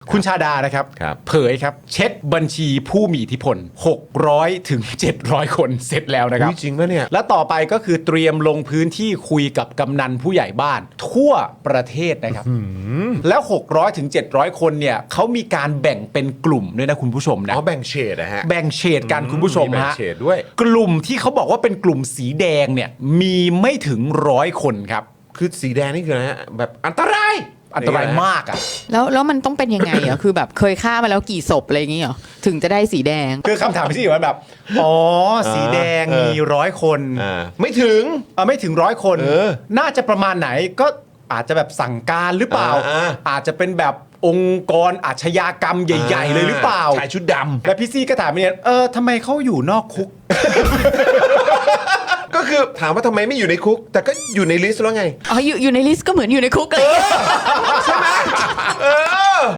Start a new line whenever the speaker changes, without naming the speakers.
คุณชาดานะครับ
ครับ
เผยครับเช็คบัญชีผู้มีอิทธิพล600ถึง700 คนเสร็จแล้วนะครับ
อุ๊ยจริงปะเนี่ย
และต่อไปก็คือเตรียมลงพื้นที่คุยกับกำนันผู้ใหญ่บ้าน ทั่วประเทศนะครับแล้ว600ถึง700 คนเนี่ยเขามีการแบ่งเป็นกลุ่มด้วยนะคุณผู้ชมนะ
อ๋อแบ่งเฉดนะฮะ
แบ่งเฉดกันคุณผู้ชม
แบ่ง
ฮะ
เฉดด้วย
กลุ่มที่เขาบอกว่าเป็นกลุ่มสีแดงเนี่ยมีไม่ถึง100 คนครับ
คือสีแดงนี่คืออะไรฮะแบบอันตราย
อันตรายมากอ่ะ
แล้วมันต้องเป็นยังไงอ่ะ คือแบบเคยฆ่ามาแล้วกี่ศพอะไรอย่างเงี้ยเหรอถึงจะได้สีแดง
คือคำถามที่อยู่ว่าแบบอ๋อสีแดงมี100 คน
ไม่ถึง
ไม่ถึง100 คน น่าจะประมาณไหนก็อาจจะแบบสั่งการหรือเปล่า อาจจะเป็นแบบองค์กรอาชญากรรมใหญ่ ๆ เลยหรือเปล่า
ชายชุดดำ
แล้วพี่ซี่ก็ถามเนี่ยทำไมเขาอยู่นอกคุก
ก็คือถามว่าทำไมไม่อยู่ในคุก แต่ก็อยู่ในลิสต์แล้วไง
อ๋ออยู่ในลิสต์ก็เหมือนอยู่ในคุกเลย
ใช่ไหม